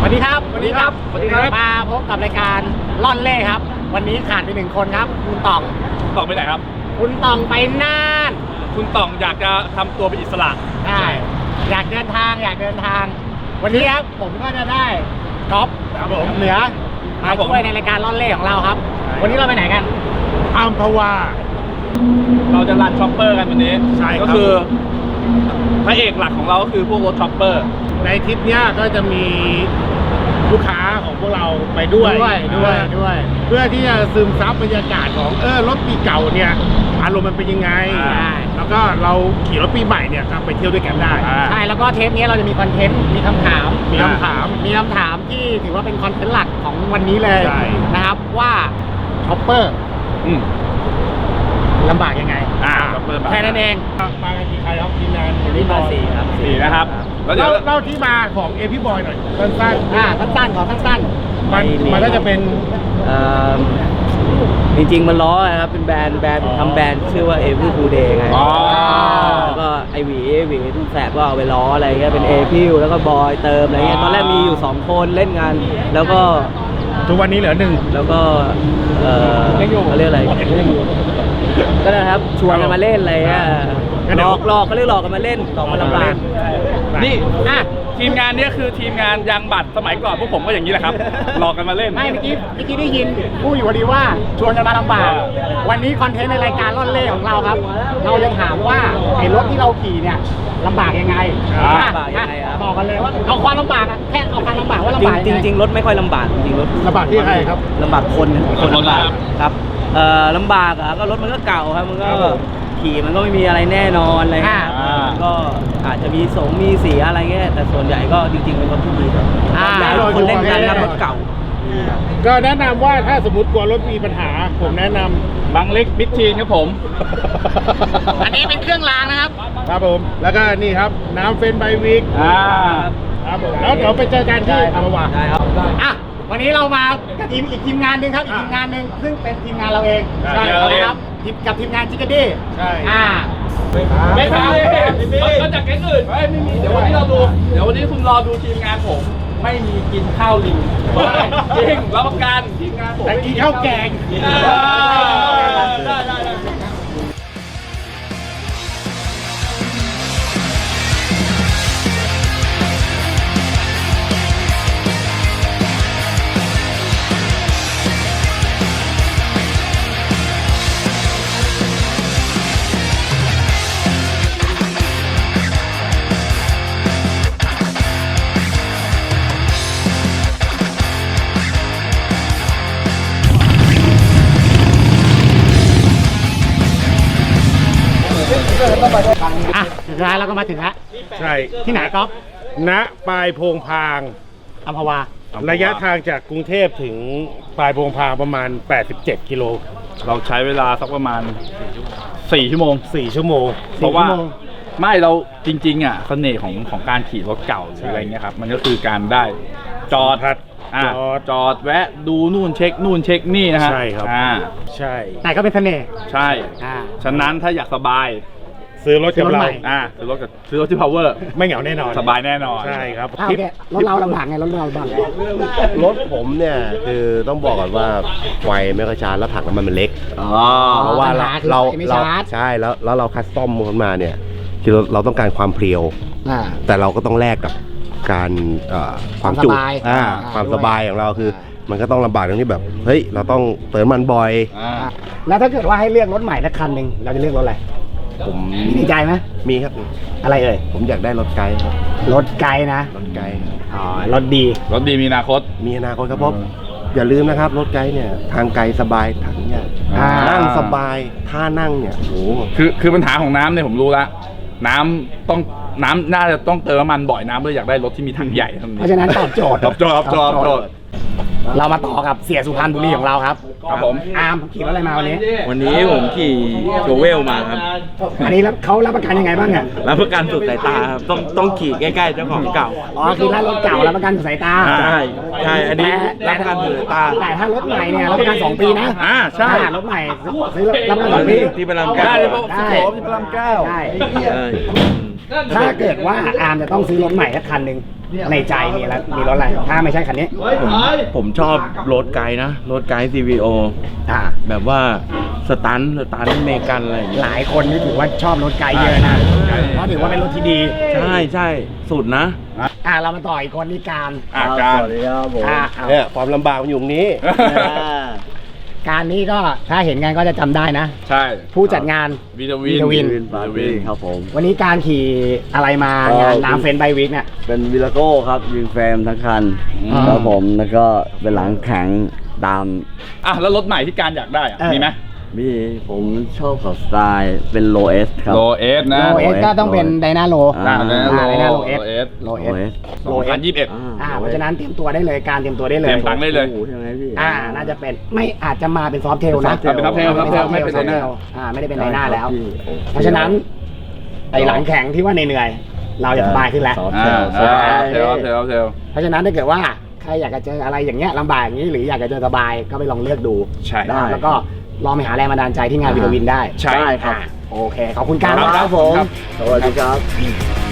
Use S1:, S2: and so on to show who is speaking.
S1: วัสดีครับ
S2: สวัสดีครับสวัสดีครับ
S1: มาพบกับรายการล่อนเล่ครับวันนี้ขาดไปหนึ่งคนครับคุณต่อง
S2: ต่องไปไหนครับ
S1: คุณต่องไปน่าน
S2: คุณต่องอยากจะทำตัวเป็นอิสระ
S1: ใช่อยากเดินทางวันนี้ครับผมก็จะได้ก๊อฟ
S2: ครับผม
S1: เหนือมาช่วยในรายการล่อนเล่ของเราครับ วันนี้เราไปไหนกัน
S3: อัมพวา
S2: เราจะรันช็อปเปอร์กันวันนี้
S3: ใช่ครับ
S2: ก็คือพระเอกหลักของเราก็คือพวกรถช็อปเปอร์
S3: ในทริปเนี้ยก็จะมีลูกค้าของพวกเราไปด้วย
S1: ด้วย
S3: เพื่อที่จะซึมซับบรรยากาศของรถปีเก่าเนี่ยอารมณ์มันเป็นยังไง แล้วก็เราขี่รถปีใหม่เนี่ยก็ไปเที่ยวด้วยกันได้
S1: ใช่แล้วก็เทปนี้เราจะมีคอนเทนต์มีคำถาม
S3: มีคำถาม
S1: ที่ถือว่าเป็นคอนเทนต์หลักของวันนี้เลย
S3: ใช่
S1: นะครับว่าช็อปเปอร์ลำบากยังไง
S2: ช็อปเปอร์
S1: แค่นั้นเอง
S3: มากันกี่ใครครับทีมงาน
S1: วันนี้มาสี่ครับ
S2: สี่นะครับ แล้วเดี๋ยว
S3: เล่าที่มาของเอพี่บอยหน่อยสั้น
S1: สั้นๆขอสั้น
S3: ๆมันก็จะเป็น
S4: จริงๆมันล้อนะครับเป็นแบรนด์ทำแบรนด์ชื่อว่า Every Cool Day ไง
S2: อ๋อ
S4: แล้วก็ไอหวีทุกแสบก็เอาไปล้ออะไรเงี้ยเป็นเอพิวแล้วก็บอยเติมอะไรเงี้ยตอนแรกมีอยู่2คนเล่นงานแล้วก็
S3: ทุกวันนี้เหลือหนึ่ง
S4: แล้วก็เขาเรียกอะไรก็นะครับชวนกันมาเล่นอะไรเงี้ยหลอกเขาเรียกหลอกกันมาเล่นหลอกมาลำบาก
S2: นี่ทีมงานเนี้ยคือทีมงานยางบัตรสมัยก่อนพวกผมก็อย่างนี้แหละครับหลอกกันมาเล่น
S1: ไม่เมื่อกี้ได้ยินพูดอยู่พอดีว่าชวนกันมาลำบากวันนี้คอนเทนต์ในรายการล่อนเล่ของเราครับ เราจะถามว่าไอ้รถที่เราขี่เนี่ยลำบากยังไง
S4: ลำบากยังไงครับ
S1: บอกกันเลยว่าเอาความลำบากอะแค่เอาความลำบากว่าลำบากยังไง
S4: จริงๆรถไม่ค่อยลำบากจริงๆรถ
S3: ระบาดที่ใครครับ
S4: ลำบากคนลำบาก
S2: ครับ
S4: ครับลำบากอ่ะก็รถมันก็เก่าครับมันก็
S3: ครับผม
S4: ขี่มันก็ไม่มีอะไรแน่นอนอะไรเงี้ยก็อาจจะมีมีเสียอะไรเงี้ยแต่ส่วนใหญ่ก็จริงๆเป็นรถที่ดีครับอยากให้ทุกคนเล่นกันนะรถเก่า
S3: ก็แนะนำว่าถ้าสมมติกลัวรถมีปัญหาผมแนะนำ
S2: บางเล็กมิดทีนครับผม
S1: อันนี้เป็นเครื่องรางนะครับ
S3: ครับผม แล้วก็นี่ครับน้ำเฟนไบวิกครับผมแล้วเดี๋ยวไปเจอกันที่อัมพวา
S4: ได้ครับ
S1: อ่ะวันนี้เรามากับทีมงานหนึ่งครับอีกทีมงานหนึ่งซึ่งเป็นทีมงานเราเอง
S3: ใช่
S1: นะครับกับทีมงานจิกกดี้
S3: ใช่
S2: ไม่ใช่มาจากแก๊งอื่นไม่มีเดี๋ยววันนี้คุณรอดูทีมงานผมไม่มีกินข้าวลิงจริงรับประกันทีมงานผม
S3: แต่กินข้าวแกง
S2: ได้
S1: อ่ะสุดท้ายเราก็มาถึงแล้ว
S3: ใช่
S1: ที่ไหนก๊อฟ
S3: ณปลายโพงพาง
S1: อัมพวา
S3: ระยะทางจากกรุงเทพถึงปลายโพงพางประมาณ 87 กิโล
S2: เราใช้เวลาสักประมาณ4 ชั่วโมง
S3: 4 ชั่วโมง
S2: เพราะว่าไม่เราจริงๆอ่ะเสน่ห์ของการขี่รถเก่าหรืออะไรเงี้ยครับมันก็คือการได้จอด จอดแวะดูนู่นเช็คนู่นเช็คนี่นะฮะ
S3: ใช่ครับ ใช่
S1: แต่ก็เป็นเสน่ห์
S2: ใช่ ฉะนั้นถ้าอยากสบาย
S3: ซื้อรถกับเรา
S1: ซื้อรถใหม่
S2: ซื้อรถที่ power
S3: ไม่เหงาแน่นอน
S2: สบายแน่นอน
S3: ใช่ครับ
S1: โอเครถเราลำบากไงรถเราลำบากไง
S5: รถผมเนี่ยคือต้องบอกก่อนว่าไฟไม่ค่อยชาร์จแล้วถังน้ำมันมันเล็ก เพราะว่าเราใช่แล้วเราคัสตอมมันมาเนี่ยคือเราต้องการความเพรียว แต่เราก็ต้องแลกกับการความจุ ความสบายของเราคือ มันก็ต้องลำบากตรงที่แบบเฮ้ยเราต้องเติมมันบ่อย
S1: แล้วถ้าเกิดว่าให้เลือกรถใหม่สักคันหนึ่งเราจะเลือกรถอะไร
S5: ผม
S1: มีในใจไหม
S5: มีครับ
S1: อะไรเอ่ย
S5: ผมอยากได้รถไกด์ครับ
S1: รถไกลนะ
S5: รถไกด์ครับ
S1: อ๋อรถดี
S2: รถดีมีอนาคต
S5: มีอนาคตครับเพราะอย่าลืมนะครับรถไกด์เนี่ยทางไกลสบายถังใหญ่ นั่งสบายท่านั่งเนี่ยโห
S2: คือปัญหาของน้ำเนี่ยผมรู้ละน้ำน่าจะต้องเติมน้ำมันบ่อยน้ำเลยอยากได้รถที่มีถังใหญ่
S1: เพราะฉะนั้นตอบโจทย์
S2: ตอบโจทย์
S1: เรามาต่อกับเสียสุพรรณบุรีของเราครับ
S2: ครับผม
S1: อาร์มขี่รถอะไรมาวันนี้
S4: วันนี้ผมขี่โชเวลมาครับ
S1: อันนี้เขารับประกันยังไงบ้างเนี่ย
S4: รับประกันสุดสายตาครับต้องขี่ใกล้ๆเจ้าของเก่า
S1: อ๋อคือร้านรถเก่ารับประกันสายตา
S4: ใช่อันนี้รับประกันสุดสายตา
S1: แต่ถ้ารถใหม่เนี่ยรับประกัน2 ปีนะ
S2: ใช่
S1: รถใหม่ซื้อรับประกัน2 ปี
S4: ที่พระรามเก้า
S1: ได้
S2: ที่พระรามเก้า
S1: ได้
S4: ใช่
S1: ถ้าเกิดว่าอาร์มจะต้องซื้อรถใหม่สักคันหนึ่งในใจมีอะไรมีรถอะไรถ้าไม่ใช่คันนี้
S6: ผมชอบรถไกด์นะ รถไกด์ CVO
S1: อ่า
S6: แบบว่าสตันเมกันอะไรอย่างเงี้ย
S1: หลายคนนี่ถือว่าชอบรถไกลเยอะนะเพราะถือว่าเป็นรถที่ดี
S6: ใช่สุดนะ
S1: เรามาต่ออีกคนนี่การ
S2: การ
S4: สวัสดีครับผม
S5: เนี่ยความลำบากมันอยู่ตรงนี้
S1: การนี้ก็ถ้าเห็นกันก็จะจำได้นะ
S2: ใช่
S1: ผู้จัดงาน
S2: วิท
S1: วิ
S2: วิน
S4: วินปาร์ตี้ครับผม
S1: วันนี้การขี่อะไรมางานน้ำเฟนไบวิกเนี่ย
S4: เป็นวิลาโก้ครับยิงเฟรมทั้งคัน
S1: อ่า
S4: ครับผมแล้วก็เป็นหลังแข็งตาม
S2: แล้วรถใหม่ที่การอยากได้อะมีไหม
S4: มีผมชอบขับสไตล์เป็นโลเอสครับ
S2: โลเอสนะ
S1: โลเอสก็ต้องเป็นไดนาโล
S4: อ่า
S1: ไดนาโลเอส
S2: โลเอส
S1: โลเอ
S4: โล
S1: ส
S4: เอส
S1: โลเอส
S2: 2021
S1: เพราะฉะนั้นเตรียมตัวได้เลยการเตรียมตัวได้เลย
S2: เตรียมตังค์ได้เลย
S4: ใช่ไหมพี่
S1: น่าจะเป็นไม่อาจจะมาเป็นซอฟเทลนะ
S2: เป็น soft tail ไม่เป็น
S1: ซอฟ
S2: ได
S1: เท
S2: นา
S1: ลไม่ได้เป็นไดนาแล้ว
S4: พี่
S1: เพราะฉะนั้นไอหลังแข็งที่ว่าเหนื่อยๆเราจะสบายขึ้นแล้ว
S4: ซอฟ
S2: เท
S4: เทล
S2: ล
S1: เพราะฉะนั้นถ้าเกิดว่าใครอยากจะเจออะไรอย่างเงี้ยลำบากอย่างนี้หรืออยากจะเจอสบายก็ไปลองเลือกดู
S2: ใช่
S1: นะครับแล้วก็ลองไปหาแรงบันดาลใจที่งานวิทวินได้
S2: ใช่
S1: ครับโอเคขอบคุณการ
S2: ครับ
S1: ครับผม
S4: สวัสดีครับ